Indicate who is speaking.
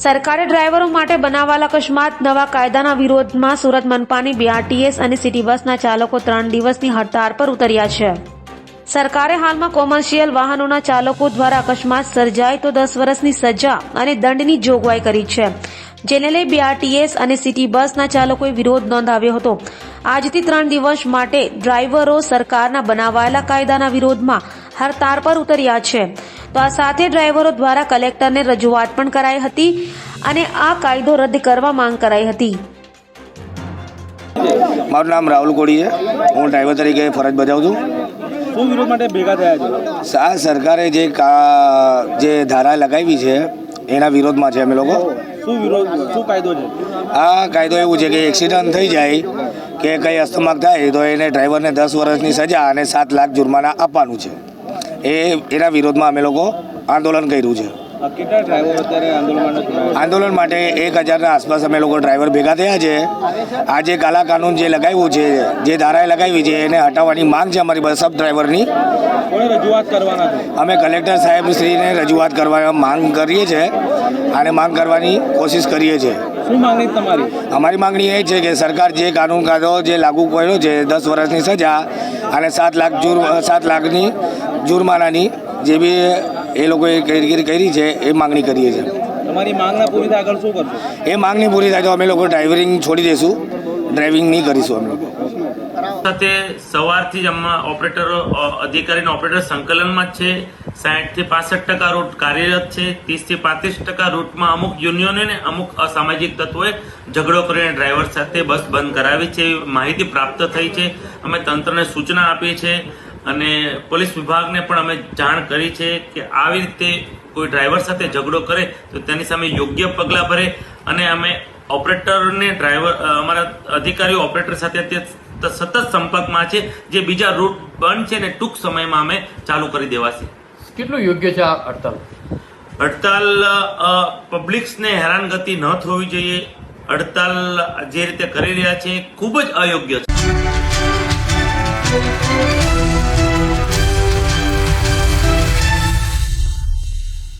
Speaker 1: સરકારે ડ્રાઈવરો માટે બનાવાયેલા અકસ્માત નવા કાયદાના વિરોધમાં સુરત મનપાની બીઆરટીએસ અને સિટી બસના ચાલકો 3 દિવસની હડતાળ પર ઉતર્યા છે। સરકારે હાલમાં કોમર્શિયલ વાહનોના ચાલકો દ્વારા અકસ્માત સર્જાય તો 10 વર્ષની સજા અને દંડની જોગવાઈ કરી છે, જેને લઈ બીઆરટીએસ અને સિટી બસના ચાલકોએ વિરોધ નોંધાવ્યો હતો। આજથી 3 દિવસ માટે ડ્રાઈવરો સરકારના બનાવાયેલા કાયદાના વિરોધમાં હડતાળ પર ઉતર્યા છે। તો આ સાથે ડ્રાઈવરો દ્વારા કલેક્ટરને રજૂઆત પણ કરાઈ હતી અને આ કાયદો રદ કરવા માંગ કરાઈ હતી।
Speaker 2: મારું નામ રાહુલ કોડી છે, હું ડ્રાઈવર તરીકે ફરજ બજાવું છું।
Speaker 3: શું વિરોધ માટે ભેગા થયા છો?
Speaker 2: આ સરકારે જે ધારા લગાવી છે એના વિરોધમાં છે અમે લોકો।
Speaker 3: શું વિરોધ, શું કાયદો છે?
Speaker 2: આ કાયદો એવું છે કે એક્સિડન્ટ થઈ જાય કે કંઈ અસ્તમાક થાય તો એને ડ્રાઈવરને 10 વર્ષની સજા અને 7 લાખ જુર્માના આપવાનું છે। એના વિરોધમાં અમે લોકો આંદોલન કર્યું છે।
Speaker 3: કેટલા ડ્રાઈવર અત્યારે
Speaker 2: આંદોલન માટે 1000ના આસપાસ અમે લોકો ડ્રાઈવર ભેગા થયા છે। આ જે કાલા કાનૂન જે લગાવ્યું છે, જે ધારાએ લગાવી છે એને હટાવવાની માંગ છે અમારી બસ ડ્રાઈવરની।
Speaker 3: કોઈ રજૂઆત કરવાના છે?
Speaker 2: અમે કલેક્ટર સાહેબશ્રીને રજૂઆત કરવા માંગ કરીએ છીએ અને માંગ કરવાની કોશિશ કરીએ છીએ।
Speaker 3: શું માંગણી તમારી?
Speaker 2: અમારી માંગણી એ છે કે સરકાર જે કાયદો જે લાગુ કર્યો છે 10 વર્ષની સજા અને 7 લાખની જુર્માનાની જે બી એ લોકોએ કામગીરી કરી છે એ માંગણી કરીએ છીએ।
Speaker 3: તમારી માંગના પૂરી થાય આગળ શું કરશો?
Speaker 2: એ માંગણી પૂરી થાય તો અમે લોકો ડ્રાઇવિંગ છોડી દઈશું, ડ્રાઇવિંગ નહીં કરીશું અમે લોકો।
Speaker 4: સાથે સવારથી જ ઓપરેટરો અધિકારીનો ઓપરેટર સંકલનમાં જ છે। 60 થી 65% રૂટ કાર્યરત છે। 30 થી 35% રૂટમાં અમુક યુનિયનો ને અમુક અસામાજિક તત્વોએ ઝઘડો કરીને ડ્રાઈવર સાથે બસ બંધ કરાવી છે એવી માહિતી પ્રાપ્ત થઈ છે। અમે તંત્રને સૂચના આપી છે અને પોલીસ વિભાગને પણ અમે જાણ કરી છે કે આવી રીતે કોઈ ડ્રાઈવર સાથે ઝઘડો કરે તો તેની સામે યોગ્ય પગલાં ભરે અને અમે ઓપરેટરને અમારા અધિકારીઓ ઓપરેટર સાથે સતત સંપર્કમાં છે। જે બીજા રૂટ બંધ છે ને ટૂંક સમયમાં અમે ચાલુ કરી દેવાશે।
Speaker 5: કેટલું યોગ્ય છે આ હડતાલ?
Speaker 4: હડતાલ પબ્લિક્સને હેરાનગતિ ન થવી જોઈએ। હડતાલ જે રીતે કરી રહ્યા છે ખૂબ જ અયોગ્ય છે।